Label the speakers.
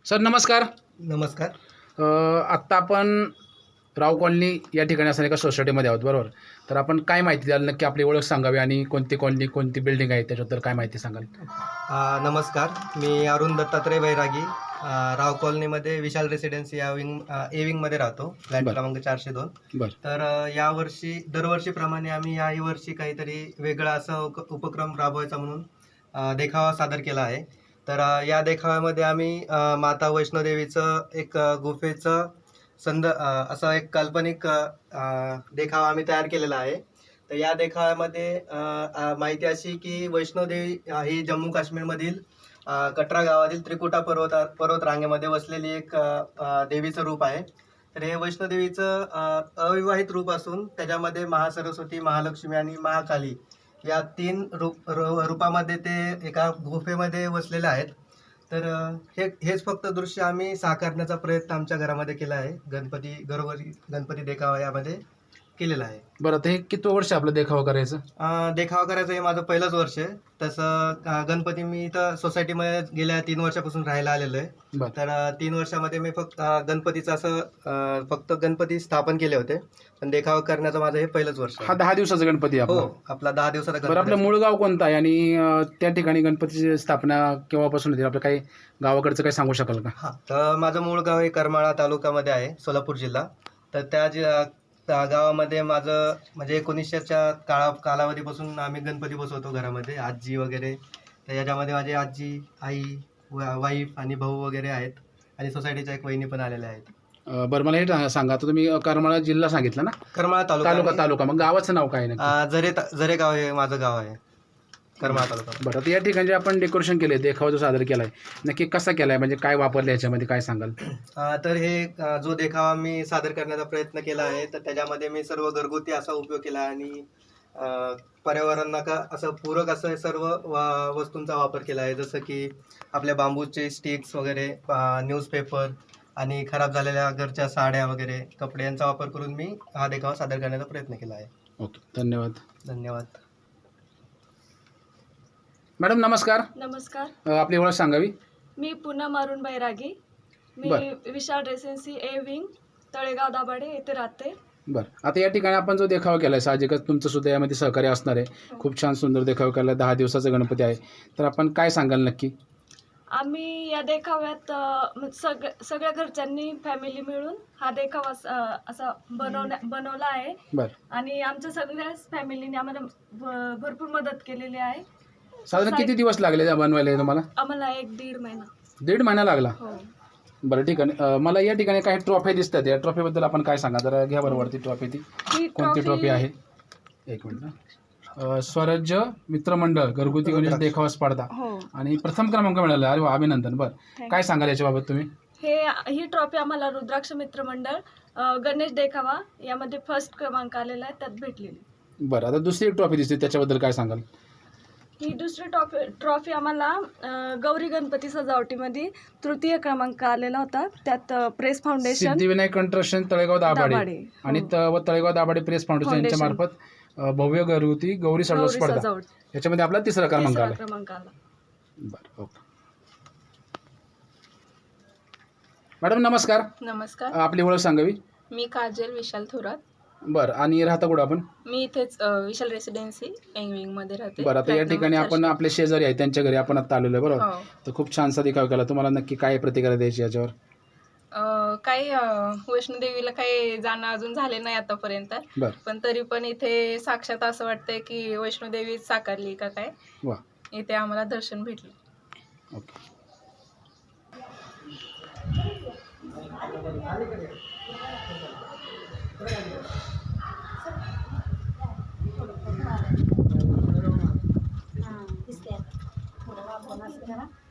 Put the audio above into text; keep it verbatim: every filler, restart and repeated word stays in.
Speaker 1: Sir नमस्कार.
Speaker 2: नमस्कार.
Speaker 1: अ, आत्ता आपण राव कॉलनी या ठिकाणी असणाऱ्या एका सोसायटीमध्ये आहोत, बरोबर? तर आपण काय माहिती द्याल, नक्की आपली ओळख सांगावी आणि कोणती कॉलनी, कोणती बिल्डिंग आहे त्याच्याबद्दल काय माहिती सांगाल?
Speaker 2: अ, नमस्कार. मी अरुण दत्तात्रय बैरागी, अ, राव कॉलनीमध्ये विशाल रेसिडेन्सी या विंग अ, ए विंगमध्ये राहतो, फ्लॅट
Speaker 1: बरं.
Speaker 2: क्रमांक चारशे दोन.
Speaker 1: बरं.
Speaker 2: तर अ, यावर्षी दरवर्षीप्रमाणे आम्ही याही वर्षी काहीतरी वेगळा असा उक उपक्रम राबवायचा म्हणून अ, देखावा सादर केला आहे. तर अ, या देखाव्यामध्ये आम्ही अ, माता वैष्णोदेवीचं एक अ, गुफेचं संद अ, असा एक काल्पनिक अ, अ, देखावा आम्ही तयार केलेला आहे. तर या देखाव्यामध्ये अ, अ, माहिती अशी की वैष्णोदेवी अ, ही जम्मू काश्मीरमधील अ, कटरा गावातील त्रिकुटा पर्वता पर्वतरांगेमध्ये वसलेली एक अ, अ, देवीचं रूप आहे. तर हे वैष्णोदेवीचं अ, अविवाहित रूप असून त्याच्यामध्ये महासरस्वती, महालक्ष्मी आणि महाकाली या तीन रूप रू रूपामध्ये ते एका गुफेमध्ये वसलेले आहेत. तर अ, हे हेच फक्त दृश्य आम्ही साकारण्याचा प्रयत्न आमच्या घरामध्ये केला आहे. गणपती घरोघरी गणपती देखावा यामध्ये केलेला आहे.
Speaker 1: बरं, आता हे किती वर्ष आपलं देखावा करायचं?
Speaker 2: अ, देखावा करायचं हे माझं पहिलंच वर्ष आहे. तसं अ, गणपती मी इथं सोसायटीमध्ये गेल्या तीन वर्षापासून राहायला आलेलो आहे.
Speaker 1: बरं.
Speaker 2: तर अ, तीन वर्षामध्ये मी फक्त अ, गणपतीचं असं अ, फक्त गणपती स्थापन केले होते. पण देखावा करण्याचं माझं हे पहिलंच वर्ष
Speaker 1: हा
Speaker 2: आहे.
Speaker 1: दहा दिवसाचा गणपती आहे
Speaker 2: हो,
Speaker 1: आपला.
Speaker 2: आपला दहा दिवसाचा
Speaker 1: बरं,
Speaker 2: गणपती
Speaker 1: आपलं
Speaker 2: असतो.
Speaker 1: मूळ गाव कोणतं आहे आणि अ, त्या ठिकाणी गणपतीची स्थापना केव्हापासून होती? आपलं काही गावाकडचं काही सांगू शकाल का?
Speaker 2: हां, तर माझं मूळ गाव हे करमाळा तालुक्यामध्ये आहे, सोलापूर जिल्हा. तर त्या जी अ, त्या गावामध्ये माझं म्हणजे एकोणीसशेच्या काळा कालावधीपासून आम्ही गणपती बसवतो घरामध्ये, आजी वगैरे. तर याच्यामध्ये माझी आजी, आई, वा वाईफ आणि भाऊ वगैरे आहेत आणि सोसायटीच्या एक वहिनी पण आलेल्या आहेत.
Speaker 1: अ, बरं, मला हे टा- सांगा, आता तुम्ही अ, करमाळा जिल्हा सांगितला ना?
Speaker 2: करमाळा तालुका
Speaker 1: तालुका
Speaker 2: आणि
Speaker 1: तालुका मग गावाचं नाव काय आहे नक्की?
Speaker 2: अ, झरे ता झरे गाव हे माझं गाव आहे, करमाळा तालुका.
Speaker 1: बरं, आता या ठिकाणी जे आपण डेकोरेशन केले, देखावा जो सादर केला आहे, नक्की कसा केला आहे? म्हणजे काय वापरलं याच्यामध्ये, काय सांगाल?
Speaker 2: अ, तर हे अ, जो देखावा मी सादर करण्याचा प्रयत्न केला आहे, तर त्याच्यामध्ये मी सर्व घरगुती असा उपयोग केला आणि अ, पर्यावरणाला का असं पूरक असं सर्व वा वस्तूंचा वापर केला आहे. जसं की आपल्या बांबूचे स्टिक्स वगैरे, अ, न्यूजपेपर आणि खराब झालेल्या घरच्या साड्या वगैरे, कपडे यांचा वापर करून मी हा देखावा सादर करण्याचा प्रयत्न केला आहे.
Speaker 1: ओके, धन्यवाद.
Speaker 2: धन्यवाद.
Speaker 1: मॅडम नमस्कार.
Speaker 3: नमस्कार.
Speaker 1: अ, आपली ओळख सांगावी.
Speaker 3: मी पूनम अरुण बैरागी. मी
Speaker 1: बरं.
Speaker 3: Vishal residency A wing, Talegaon Dabhade येथे राहते.
Speaker 1: बरं, आता या ठिकाणी आपण जो देखावा केला आहे, साहजिकच तुमचं सुद्धा यामध्ये सहकार्य असणार आहे.
Speaker 3: हो.
Speaker 1: खूप छान सुंदर देखावा केला आहे, दहा दिवसाचा गणपती आहे. तर आपण काय सांगाल नक्की?
Speaker 3: आम्ही या देखाव्यात अ, सग सगळ्या घरच्यांनी फॅमिली मिळून हा देखावा स- अ, असा बनवण्या बनवला आहे
Speaker 1: बरं,
Speaker 3: आणि आमच्या सगळ्याच फॅमिलीने आम्हाला भ- भरपूर मदत केलेली आहे.
Speaker 1: साधारण किती दिवस लागले त्या बनवायला तुम्हाला?
Speaker 3: आम्हाला एक दीड महिना.
Speaker 1: दीड महिना लागला.
Speaker 3: हो.
Speaker 1: बरं, ठीक आहे. अ, मला या ठिकाणी काही ट्रॉफी दिसतात, या ट्रॉफीबद्दल आपण काय सांगा जरा? घ्या बरं वरती ट्रॉफी. ती
Speaker 3: ही
Speaker 1: कोणती ट्रॉफी आहे? एक मिनिट ना. अ, स्वराज्य मित्रमंडळ घरगुती गणेश देखावा स्पर्धा
Speaker 3: हो.
Speaker 1: आणि प्रथम क्रमांक मिळाला. अरे वा, अभिनंदन. बरं, काय सांगाल याच्याबाबत तुम्ही?
Speaker 3: हे ही ट्रॉफी आम्हाला रुद्राक्ष मित्र मंडळ अ, गणेश देखावा यामध्ये फर्स्ट क्रमांक आलेला आहे, त्यात भेटलेली.
Speaker 1: बरं, आता दुसरी एक ट्रॉफी दिसते, त्याच्याबद्दल काय सांगाल?
Speaker 3: ही दुसरी ट्रॉफी ट्रॉफी आम्हाला अ, गौरी गणपती सजावटीमध्ये तृतीय क्रमांक आलेला होता, त्यात अ, press foundation
Speaker 1: Siddhivinayak construction Talegaon Dabhade
Speaker 3: Dabhade,
Speaker 1: आणि
Speaker 3: हो.
Speaker 1: त- व तळेगाव दाभाडे प्रेस फाउंडेशन यांच्या
Speaker 3: फाउंडेशन.
Speaker 1: मार्फत अ, भव्य घरगुती गौरी सडव
Speaker 3: गौरी
Speaker 1: स्पर्धा,
Speaker 3: सजावट
Speaker 1: याच्यामध्ये आपला तिसरा क्रमांक
Speaker 3: तिसरा
Speaker 1: आला.
Speaker 3: क्रमांक आला.
Speaker 1: बरं, ओके. मॅडम नमस्कार.
Speaker 4: नमस्कार.
Speaker 1: अ, आपली ओळख सांगावी.
Speaker 4: मी काजल विशाल थोरात.
Speaker 1: बरं, आणि राहता कुठं आपण?
Speaker 4: मी इथेच अ, विशाल रेसिडेन्सी मध्ये राहते.
Speaker 1: बरं, आता या
Speaker 4: फ्लॅट
Speaker 1: ठिकाणी
Speaker 4: नंबर
Speaker 1: आपण
Speaker 4: चारशे.
Speaker 1: आपले शेजारी आहे त्यांच्या घरी आपण आता आलेलो आहे, बरोबर?
Speaker 4: हो.
Speaker 1: तर खूप छानसा देखावा केला. तुम्हाला नक्की काय प्रतिक्रिया द्यायची याच्यावर?
Speaker 4: अ, काही अ, वैष्णोदेवीला काही जाणं अजून झाले नाही आतापर्यंत,
Speaker 1: बरं,
Speaker 4: पण तरी पण इथे साक्षात असं वाटतंय की वैष्णोदेवी साकारली का काय.
Speaker 1: वा,
Speaker 4: इथे आम्हाला दर्शन भेटलं.
Speaker 1: ओके.
Speaker 5: हां दिसते आता थोडं वापरून असं करा.